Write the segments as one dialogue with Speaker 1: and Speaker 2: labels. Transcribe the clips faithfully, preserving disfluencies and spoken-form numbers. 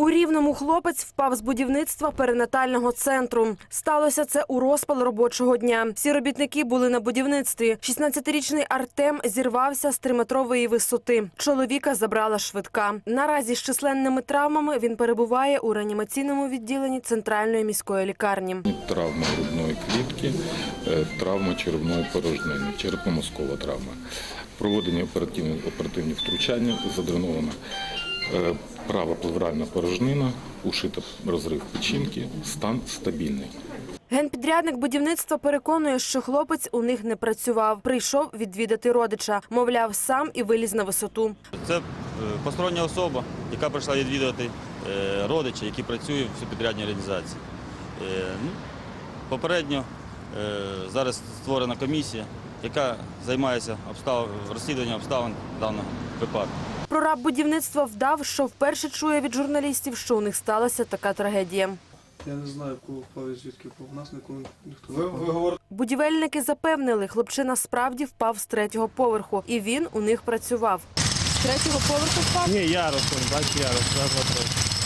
Speaker 1: У Рівному хлопець впав з будівництва перинатального центру. Сталося це у розпал робочого дня. Всі робітники були на будівництві. шістнадцятирічний Артем зірвався з триметрової висоти. Чоловіка забрала швидка. Наразі з численними травмами він перебуває у реанімаційному відділенні Центральної міської лікарні.
Speaker 2: Травма грудної клітки, травма черевної порожнини, черепно-мозкова травма. Проводені оперативні, оперативні втручання, задренована права плевральна порожнина, ушита розрив печінки, стан стабільний.
Speaker 1: Генпідрядник будівництва переконує, що хлопець у них не працював. Прийшов відвідати родича. Мовляв, сам і виліз на висоту.
Speaker 3: Це постороння особа, яка прийшла відвідати родича, який працює в субпідрядній організації. Попередньо зараз створена комісія, яка займається обстав... розслідуванням обставин даного випадку.
Speaker 1: Прораб будівництва вдав, що вперше чує від журналістів, що у них сталася така трагедія.
Speaker 4: Я не знаю, кого впав і звідки впав. У нас ніколи ніхто не впав.
Speaker 1: Будівельники запевнили, хлопчина справді впав з третього поверху, і він у них працював.
Speaker 5: З третього поверху впав?
Speaker 6: Ні, ярус, бачиш, ярус, раз, два, три.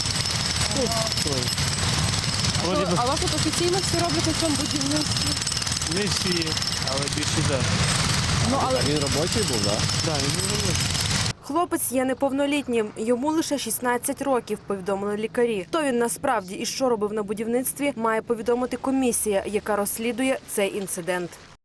Speaker 5: А, а у вас тут офіційно всі роблять на цьому будівництві?
Speaker 6: Не всі, але більше так.
Speaker 5: Ну, але...
Speaker 6: Він робочий був, так? Так, він був робочий.
Speaker 1: Хлопець є неповнолітнім, йому лише шістнадцять років, повідомили лікарі. Хто він насправді і що робив на будівництві, має повідомити комісія, яка розслідує цей інцидент.